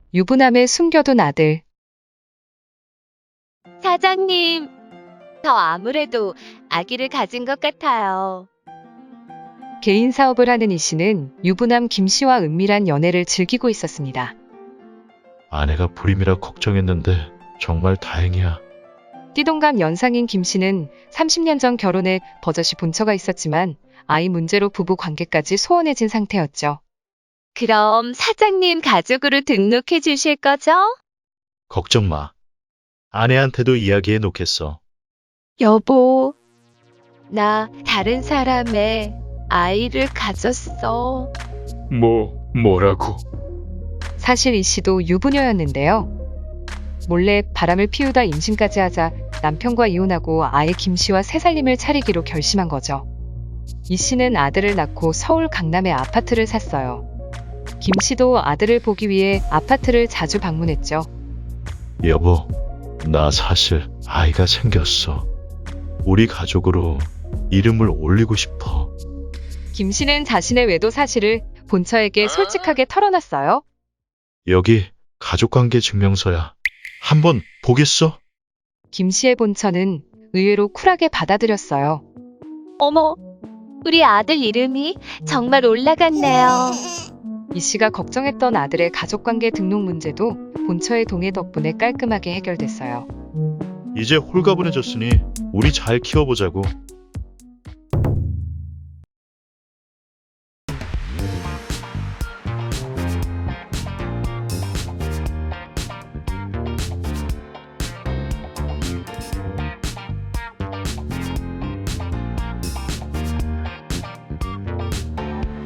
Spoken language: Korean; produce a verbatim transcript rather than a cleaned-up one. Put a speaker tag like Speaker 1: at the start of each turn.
Speaker 1: 유부남의 숨겨둔 아들.
Speaker 2: 사장님, 저 아무래도 아기를 가진 것 같아요.
Speaker 1: 개인 사업을 하는 이 씨는 유부남 김 씨와 은밀한 연애를 즐기고 있었습니다.
Speaker 3: 아내가 불임이라 걱정했는데 정말 다행이야.
Speaker 1: 띠동갑 연상인 김 씨는 삼십 년 전 결혼해 버젓이 본처가 있었지만 아이 문제로 부부 관계까지 소원해진 상태였죠.
Speaker 2: 그럼 사장님 가족으로 등록해 주실 거죠?
Speaker 3: 걱정 마. 아내한테도 이야기해 놓겠어.
Speaker 2: 여보, 나 다른 사람의 아이를 가졌어.
Speaker 4: 뭐, 뭐라고?
Speaker 1: 사실 이 씨도 유부녀였는데요. 몰래 바람을 피우다 임신까지 하자 남편과 이혼하고 아예 김 씨와 새 살림을 차리기로 결심한 거죠. 이 씨는 아들을 낳고 서울 강남에 아파트를 샀어요. 김 씨도 아들을 보기 위해 아파트를 자주 방문했죠.
Speaker 3: 여보, 나 사실 아이가 생겼어. 우리 가족으로 이름을 올리고 싶어.
Speaker 1: 김 씨는 자신의 외도 사실을 본처에게 솔직하게 털어놨어요.
Speaker 3: 여기 가족관계 증명서야. 한번 보겠어?
Speaker 1: 김 씨의 본처는 의외로 쿨하게 받아들였어요.
Speaker 2: 어머, 우리 아들 이름이 정말 올라갔네요.
Speaker 1: 이 씨가 걱정했던 아들의 가족관계 등록 문제도 본처의 동의 덕분에 깔끔하게 해결됐어요.
Speaker 3: 이제 홀가분해졌으니 우리 잘 키워보자고.